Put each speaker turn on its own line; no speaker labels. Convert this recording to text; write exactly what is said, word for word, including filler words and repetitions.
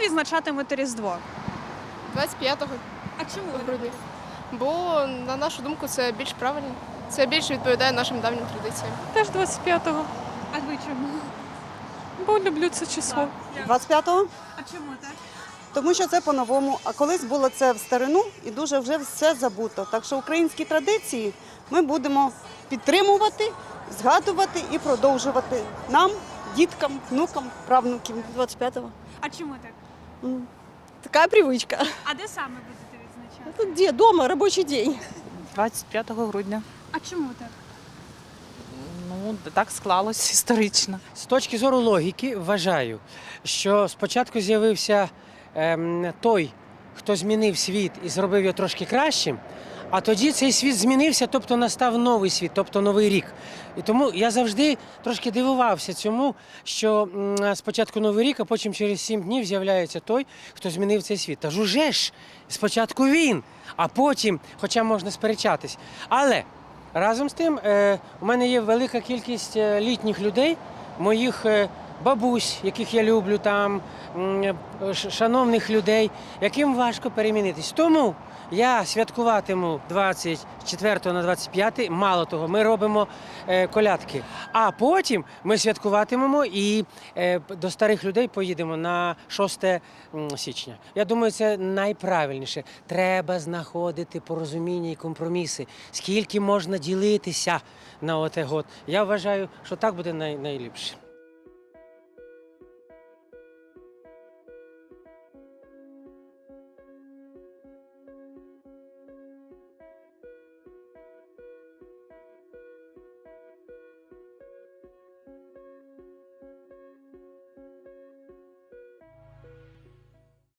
відзначатимете Різдво?
двадцять п'ятого
А чому?
грудня. Бо, на нашу думку, це більш правильно. Це більше відповідає нашим давнім традиціям.
Теж двадцять п'ятого,
А ви чому?
бо люблю це число.
двадцять п'ятого?
А чому так?
Тому що це по-новому. А колись було це в старину і дуже вже все забуто. Так що українські традиції ми будемо підтримувати, згадувати і продовжувати нам, діткам, внукам, правнукам.
двадцать пятого.
А чому так?
Такая привычка.
А де саме будете відзначати?
Это где? Дома, рабочий день.
двадцять п'ятого грудня.
А чому так?
Ну, так склалось історично.
З точки зору логіки вважаю, що спочатку з'явився ем, той, хто змінив світ і зробив його трошки кращим, а тоді цей світ змінився, тобто настав новий світ, тобто новий рік. І тому я завжди трошки дивувався цьому, що м, спочатку новий рік, а потім через сім днів з'являється той, хто змінив цей світ. Та ж уже ж, спочатку він, а потім, хоча можна сперечатись. Але разом з тим, е, у мене є велика кількість е, літніх людей, моїх е, бабусь, яких я люблю, там, м, ш- шановних людей, яким важко перемінитись. Тому я святкуватиму двадцять четвертого на двадцять п'яте, мало того, ми робимо е, колядки. А потім ми святкуватимемо і е, п- до старих людей поїдемо на шосте м, січня. Я думаю, це найправильніше. Треба знаходити порозуміння і компроміси. Скільки можна ділитися на оте год. Я вважаю, що так буде най- найліпше.